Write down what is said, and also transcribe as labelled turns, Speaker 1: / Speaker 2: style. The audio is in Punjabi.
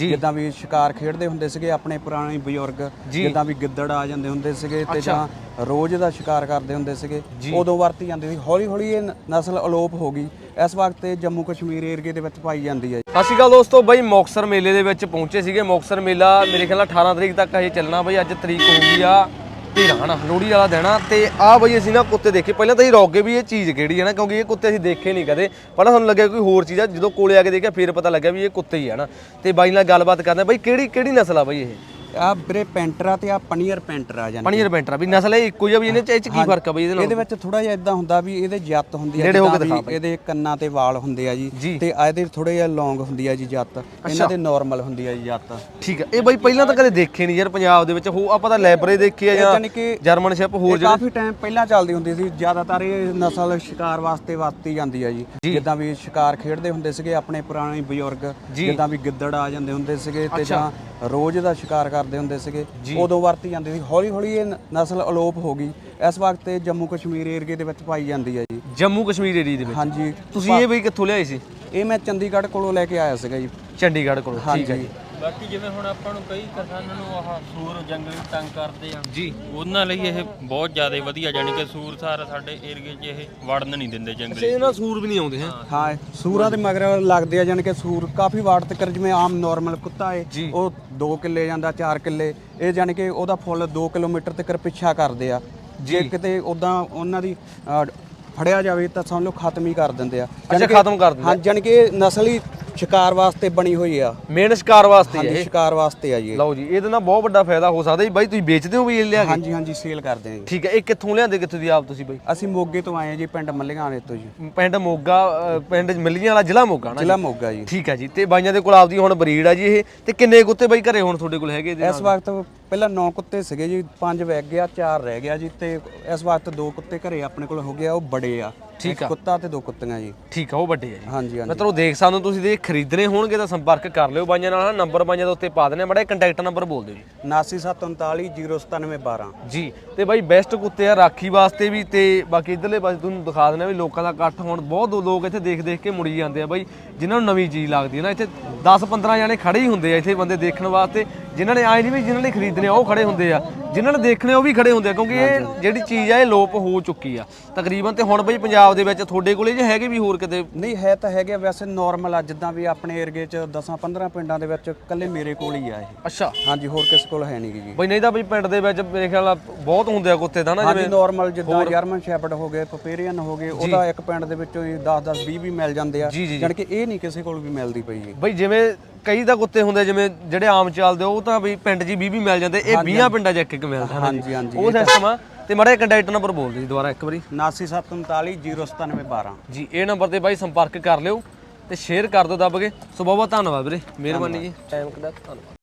Speaker 1: ਜਿੱਦਾਂ ਵੀ ਸ਼ਿਕਾਰ ਖੇਡਦੇ ਹੁੰਦੇ ਸੀਗੇ ਆਪਣੇ ਪੁਰਾਣੇ ਬਜ਼ੁਰਗ, ਜਿੱਦਾਂ ਵੀ ਗਿੱਦੜ ਆ ਜਾਂਦੇ ਹੁੰਦੇ ਸੀਗੇ ਤੇ ਜਾਂ ਰੋਜ਼ ਦਾ ਸ਼ਿਕਾਰ ਕਰਦੇ ਹੁੰਦੇ ਸੀਗੇ, ਉਦੋਂ ਵਰਤੀ ਜਾਂਦੀ ਸੀ। ਹੌਲੀ ਹੌਲੀ ਇਹ ਨਸਲ ਅਲੋਪ ਹੋ ਗਈ। ਇਸ ਵਕਤ ਇਹ ਜੰਮੂ ਕਸ਼ਮੀਰ ਏਰੀਏ ਦੇ ਵਿੱਚ ਪਾਈ ਜਾਂਦੀ ਹੈ।
Speaker 2: ਸਤਿ ਸ਼੍ਰੀ ਅਕਾਲ ਦੋਸਤੋ, ਬਾਈ ਮੁਕਤਸਰ ਮੇਲੇ ਦੇ ਵਿੱਚ ਪਹੁੰਚੇ ਸੀਗੇ। ਮੁਕਤਸਰ ਮੇਲਾ ਮੇਰੇ ਖਿਆਲ ਨਾਲ 18 ਤਰੀਕ ਤੱਕ ਇਹ ਚੱਲਣਾ ਬਾਈ। ਅੱਜ ਤਰੀਕ ਹੋ ਗਈ ਆ 13 ਹਨਾ, ਲੋਹੜੀ ਵਾਲਾ ਦਿਨ ਆ। ਤੇ ਆ ਬਾਈ ਅਸੀਂ ਨਾ ਕੁੱਤੇ ਦੇਖੇ। ਪਹਿਲਾਂ ਤਾਂ ਅਸੀਂ ਰੋਕ ਗਏ ਵੀ ਇਹ ਚੀਜ਼ ਕਿਹੜੀ ਹੈ ਨਾ, ਕਿਉਂਕਿ ਇਹ ਕੁੱਤੇ ਅਸੀਂ ਦੇਖੇ ਨਹੀਂ ਕਦੇ। ਪਹਿਲਾਂ ਸਾਨੂੰ ਲੱਗਿਆ ਕੋਈ ਹੋਰ ਚੀਜ਼ ਆ, ਜਦੋਂ ਕੋਲੇ ਆ ਕੇ ਦੇਖਿਆ ਫਿਰ ਪਤਾ ਲੱਗਿਆ ਵੀ ਇਹ ਕੁੱਤੇ ਹੀ ਆ ਨਾ। ਤੇ ਬਾਈ ਨਾਲ ਗੱਲਬਾਤ ਕਰਦੇ ਬਾਈ, ਕਿਹੜੀ ਨਸਲ ਆ ਬਾਈ ਇਹ?
Speaker 1: ਆ ਵੀਰੇ ਪੈਂਟਰਾ ਤੇ ਆ ਪਨੀਅਰ ਪੈਂਟਰ ਆ ਜਾਂਦੇ।
Speaker 2: ਪਨੀਅਰ ਪੈਂਟਰਾ ਵੀ ਨਸਲ ਇਹ ਇੱਕੋ ਹੀ ਆ ਵੀ ਇਹਨੇ ਚ ਕੀ ਫਰਕ ਆ ਬਾਈ ਇਹਦੇ ਨਾਲ?
Speaker 1: ਇਹਦੇ ਵਿੱਚ ਥੋੜਾ ਜਿਹਾ ਇਦਾਂ ਹੁੰਦਾ ਵੀ ਇਹਦੇ ਜੱਤ ਹੁੰਦੀ ਆ, ਇਹਦੇ ਕੰਨਾਂ ਤੇ ਵਾਲ ਹੁੰਦੇ ਆ ਜੀ, ਤੇ ਇਹਦੇ ਥੋੜੇ ਜਿਹਾ ਲੌਂਗ ਹੁੰਦੀ ਆ ਜੀ ਜੱਤ। ਇਹਨਾਂ ਦੇ ਨਾਰਮਲ ਹੁੰਦੀ ਆ ਜੀ ਜੱਤ।
Speaker 2: ਠੀਕ ਆ। ਇਹ ਬਾਈ ਪਹਿਲਾਂ ਤਾਂ ਕਦੇ ਦੇਖੇ ਨਹੀਂ ਯਾਰ ਪੰਜਾਬ ਦੇ ਵਿੱਚ। ਆਪਾਂ ਤਾਂ ਲੈਬਰੇ ਦੇਖੀ ਆ ਜਾਂ ਜਰਮਨ ਸ਼ੈਪ ਹੋਰ
Speaker 1: ਕਾਫੀ ਟਾਈਮ ਪਹਿਲਾਂ ਚੱਲਦੀ ਹੁੰਦੀ ਸੀ। ਜ਼ਿਆਦਾਤਰ ਇਹ ਨਸਲ ਸ਼ਿਕਾਰ ਵਾਸਤੇ ਵਰਤੀ ਜਾਂਦੀ ਆ ਜੀ। ਜਿੱਦਾਂ ਵੀ ਸ਼ਿਕਾਰ ਖੇਡਦੇ ਹੁੰਦੇ ਸੀਗੇ ਆਪਣੇ ਪੁਰਾਣੇ ਬਜ਼ੁਰਗ, ਜਿੱਦਾਂ ਵੀ ਗਿੱਦੜ ਆ ਜਾਂਦੇ ਹੁੰਦੇ ਸੀਗੇ ਤੇ ਜਾਂ ਰੋਜ਼ ਦਾ ਸ਼ਿਕਾਰ ਕਰਦੇ ਹੁੰਦੇ ਸੀਗੇ, ਉਦੋਂ ਵਰਤੀ ਜਾਂਦੀ ਸੀ। ਹੌਲੀ ਹੌਲੀ ਇਹ ਨਸਲ ਅਲੋਪ ਹੋ ਗਈ। ਇਸ ਵਕਤ ਇਹ ਜੰਮੂ ਕਸ਼ਮੀਰ ਏਰੀਏ ਦੇ ਵਿੱਚ ਪਾਈ ਜਾਂਦੀ ਹੈ ਜੀ।
Speaker 2: ਜੰਮੂ ਕਸ਼ਮੀਰ ਏਰੀਏ ਦੇ ਵਿੱਚ?
Speaker 1: ਹਾਂਜੀ।
Speaker 2: ਤੁਸੀਂ ਇਹ ਬਈ ਕਿੱਥੋਂ ਲਿਆਏ ਸੀ?
Speaker 1: ਇਹ ਮੈਂ ਚੰਡੀਗੜ੍ਹ ਕੋਲੋਂ ਲੈ ਕੇ ਆਇਆ ਸੀਗਾ ਜੀ।
Speaker 2: ਚੰਡੀਗੜ੍ਹ ਕੋਲੋਂ? ਠੀਕ ਹੈ ਜੀ।
Speaker 3: ਬਾਕੀ ਜਿਵੇਂ ਹੁਣ ਆਪਾਂ ਨੂੰ ਕਈ ਕਿਸਾਨਾਂ ਨੂੰ ਆਹ ਸੂਰ ਜੰਗਲੀ ਤੰਗ ਕਰਦੇ ਆ ਜੀ, ਉਹਨਾਂ ਲਈ ਇਹ ਬਹੁਤ ਜ਼ਿਆਦਾ ਵਧੀਆ। ਜਾਨੀ ਕਿ ਸੂਰ ਸਾਰਾ ਸਾਡੇ ਏਰੀਏ 'ਚ ਇਹ ਵੜਨ ਨਹੀਂ ਦਿੰਦੇ ਜੰਗਲੀ।
Speaker 2: ਇਹ ਨਾਲ ਸੂਰ ਵੀ ਨਹੀਂ ਆਉਂਦੇ?
Speaker 1: ਹਾਂ, ਸੂਰਾਂ ਦੇ ਮਗਰ ਲੱਗਦੇ ਆ। ਜਾਨੀ ਕਿ ਸੂਰ ਕਾਫੀ ਵਾਰ ਤੱਕ, ਜਿਵੇਂ ਆਮ ਨਾਰਮਲ ਕੁੱਤਾ ਏ ਉਹ 2 ਕਿੱਲੇ ਜਾਂਦਾ, 4 ਕਿੱਲੇ, ਇਹ ਜਾਨੀ ਕਿ ਉਹਦਾ ਫੁੱਲ 2 ਕਿਲੋਮੀਟਰ ਤੱਕ ਪਿੱਛਾ ਕਰਦੇ ਆ। ਜੇ ਕਿਤੇ ਉਦਾਂ ਉਹਨਾਂ ਦੀ ਫੜਿਆ ਜਾਵੇ ਤਾਂ ਸਮਝ ਲਓ ਖਤਮ ਹੀ ਕਰ ਦਿੰਦੇ ਆ।
Speaker 2: ਖਤਮ ਕਰ ਦਿੰਦੇ?
Speaker 1: ਹਾਂ, ਜਾਨੀ ਕਿ ਇਹ ਨਸਲ ਹੀ ਸ਼ਿਕਾਰ ਵਾਸਤੇ ਬਣੀ ਹੋਈ ਆ।
Speaker 2: ਮੇਨ ਸ਼ਿਕਾਰ ਵਾਸਤੇ ਹੈ ਇਹ?
Speaker 1: ਸ਼ਿਕਾਰ ਵਾਸਤੇ ਆ ਜੀ।
Speaker 2: ਲਓ ਜੀ, ਇਹਦੇ ਨਾਲ ਬਹੁਤ ਵੱਡਾ ਫਾਇਦਾ ਹੋ ਸਕਦਾ ਜੀ। ਬਾਈ ਤੁਸੀਂ ਵੇਚਦੇ ਹੋ ਵੀ ਇਹ ਲਿਆ ਕੇ?
Speaker 1: ਹਾਂਜੀ ਹਾਂਜੀ, ਸੇਲ ਕਰਦੇ ਆ ਜੀ।
Speaker 2: ਠੀਕ ਹੈ। ਇਹ ਕਿੱਥੋਂ ਲਿਆਂਦੇ, ਕਿੱਥੋਂ ਦੀ ਆਪ ਤੁਸੀਂ ਬਾਈ?
Speaker 1: ਅਸੀਂ ਮੋਗੇ ਤੋਂ ਆਏ ਆ ਜੀ, ਪਿੰਡ ਮੱਲੀਆਂ ਵਾਲੇ ਤੋਂ ਜੀ।
Speaker 2: ਪਿੰਡ ਮੋਗਾ, ਪਿੰਡ ਮੱਲੀਆਂ ਵਾਲਾ, ਜ਼ਿਲ੍ਹਾ ਮੋਗਾ ਨਾ?
Speaker 1: ਜ਼ਿਲ੍ਹਾ ਮੋਗਾ ਜੀ।
Speaker 2: ਠੀਕ ਹੈ ਜੀ। ਤੇ ਬਾਈਆਂ ਦੇ ਕੋਲ ਆਪਦੀ ਹੁਣ ਬਰੀਡ ਆ ਜੀ ਇਹ। ਤੇ ਕਿੰਨੇ ਕੁੱਤੇ ਬਾਈ ਘਰੇ ਹੁਣ ਤੁਹਾਡੇ ਕੋਲ ਹੈਗੇ?
Speaker 1: ਇਸ ਵਕਤ ਪਹਿਲਾਂ 9 ਕੁੱਤੇ ਸੀਗੇ ਜੀ, 5 ਵਗ ਗਿਆ, 4 ਰਹਿ ਗਿਆ ਜੀ। ਤੇ ਇਸ ਵਕਤ 2 ਕੁੱਤੇ ਘਰੇ ਆਪਣੇ ਕੋਲ ਹੋ ਗਿਆ, ਉਹ ਬੜੇ ਆ।
Speaker 2: ਠੀਕ ਆ।
Speaker 1: ਕੁੱਤਾ ਤੇ 2 ਕੁੱਤੀਆਂ ਜੀ।
Speaker 2: ਠੀਕ ਆ, ਉਹ ਵੱਡੇ ਆ ਜੀ।
Speaker 1: ਹਾਂਜੀ ਹਾਂਜੀ।
Speaker 2: ਮਤਲਬ ਦੇਖ ਸਕਦੇ ਹੋ ਤੁਸੀਂ, ਜੇ ਖਰੀਦਣੇ ਹੋਣਗੇ ਤਾਂ ਸੰਪਰਕ ਕਰ ਲਿਓ ਬਾਈਆਂ ਨਾਲ। ਨੰਬਰ ਬਾਈਆਂ ਦੇ ਉੱਤੇ ਪਾ ਦੇਣੇ। ਬੜਾ ਕੰਟੈਕਟ ਨੰਬਰ ਬੋਲ ਦਿਓ ਜੀ।
Speaker 1: 7939409712
Speaker 2: ਜੀ। ਤੇ ਬਾਈ ਬੈਸਟ ਕੁੱਤੇ ਆ ਰਾਖੀ ਵਾਸਤੇ ਵੀ। ਤੇ ਬਾਕੀ ਇਧਰਲੇ ਪਾਸੇ ਤੁਹਾਨੂੰ ਦਿਖਾ ਦੇਣਾ ਵੀ ਲੋਕਾਂ ਦਾ ਇਕੱਠ ਹੁਣ ਬਹੁਤ ਲੋਕ ਇੱਥੇ ਦੇਖ ਕੇ ਮੁੜੀ ਜਾਂਦੇ ਆ ਬਾਈ। ਜਿਨ੍ਹਾਂ ਨੂੰ ਨਵੀਂ ਚੀਜ਼ ਲੱਗਦੀ ਹੈ ਨਾ, ਇੱਥੇ 10-15 ਜਾਣੇ ਖੜੇ ਹੀ ਹੁੰਦੇ ਆ ਇੱਥੇ ਬੰਦੇ ਦੇਖਣ ਵਾਸਤੇ। ਜਿਨ੍ਹਾਂ ਨੇ ਆਏ ਨਹੀਂ ਵੀ ਜਿਨ੍ਹਾਂ ਨੇ ਖਰੀਦਣੇ ਉਹ ਖੜੇ ਹੁੰਦੇ ਆ, ਜਿਨ੍ਹਾਂ ਨੇ ਦੇਖਣੇ ਉਹ ਵੀ ਖੜੇ ਹੁੰਦੇ ਆ, ਕਿਉਂਕਿ ਇਹ ਜਿਹੜੀ ਚੀਜ਼ ਆ ਇਹ ਲੋਪ ਹੋ ਚੁੱਕੀ ਆ ਤਕਰੀਬਨ। ਤੇ ਹੁਣ ਬਈ ਪੰਜਾਬ ਦੇ ਵਿੱਚ ਤੁਹਾਡੇ ਕੋਲੇ ਜੇ ਹੈਗੇ ਵੀ ਹੋਰ ਕਿਤੇ?
Speaker 1: ਨਹੀਂ ਹੈ ਤਾਂ ਹੈਗੇ, ਵੈਸੇ ਨਾਰਮਲ ਆ। ਜਿੱਦਾਂ ਵੀ ਆਪਣੇ ਏਰੀਏ 'ਚ 10-15 ਪਿੰਡਾਂ ਦੇ ਵਿੱਚ ਇਕੱਲੇ ਮੇਰੇ ਕੋਲ ਹੀ ਆ ਇਹ।
Speaker 2: ਅੱਛਾ।
Speaker 1: ਹਾਂਜੀ, ਹੋਰ ਕਿਸੇ ਕੋਲ ਹੈ ਨਹੀਂ ਜੀ।
Speaker 2: ਬਈ ਨਹੀਂ ਤਾਂ ਬਈ ਪਿੰਡ ਦੇ ਵਿੱਚ ਮੇਰੇ ਖਿਆਲ ਨਾਲ ਬਹੁਤ ਹੁੰਦੇ ਆ ਕੁੱਤੇ ਤਾਂ ਨਾ,
Speaker 1: ਜਿਵੇਂ ਨਾਰਮਲ ਜਿੱਦਾਂ ਜਰਮਨ ਸ਼ੈਪਰਡ ਹੋ ਗਏ, ਪਪੇਰੀਅਨ ਹੋ ਗਏ, ਉਹਦਾ ਇੱਕ ਪਿੰਡ ਦੇ ਵਿੱਚੋਂ ਹੀ 10-10 20 ਵੀ ਮਿਲ ਜਾਂਦੇ ਆ। ਜਾਣੀ ਕਿ ਇਹ ਨਹੀਂ ਕਿਸੇ ਕੋਲ ਵੀ ਮਿਲਦੀ ਪਈ ਜੀ।
Speaker 2: ਬਈ ਜਿਵੇਂ ਕਈ ਤਾਂ ਕੁੱਤੇ ਹੁੰਦੇ ਜਿਵੇਂ ਜਿਹੜੇ ਆਮ ਚੱਲਦੇ ਉਹ ਤਾਂ ਬਈ ਪਿੰਡ 'ਚ 20 ਮਿਲ ਜਾਂਦੇ। ਇਹ 20 ਪਿੰਡਾਂ 'ਚ ਇੱਕ ਮਿਲਦਾ।
Speaker 1: ਹਾਂਜੀ ਹਾਂਜੀ,
Speaker 2: ਉਹ ਸਿਸਟਮ ਆ। ਤੇ ਮਾੜਾ ਕੰਟੈਕਟ ਨੰਬਰ ਬੋਲ ਦਿਓ ਦੁਬਾਰਾ ਇੱਕ ਵਾਰੀ।
Speaker 1: 7939409712
Speaker 2: ਜੀ। ਇਹ ਨੰਬਰ ਤੇ ਬਾਈ ਸੰਪਰਕ ਕਰ ਲਿਓ ਤੇ ਸ਼ੇਅਰ ਕਰ ਦਿਓ ਦੱਬ ਕੇ। ਸੋ ਬਹੁਤ ਬਹੁਤ ਧੰਨਵਾਦ ਵੀਰੇ, ਮਿਹਰਬਾਨੀ ਜੀ। ਟਾਈਮ ਕਿਦਾ ਧੰਨਵਾਦ।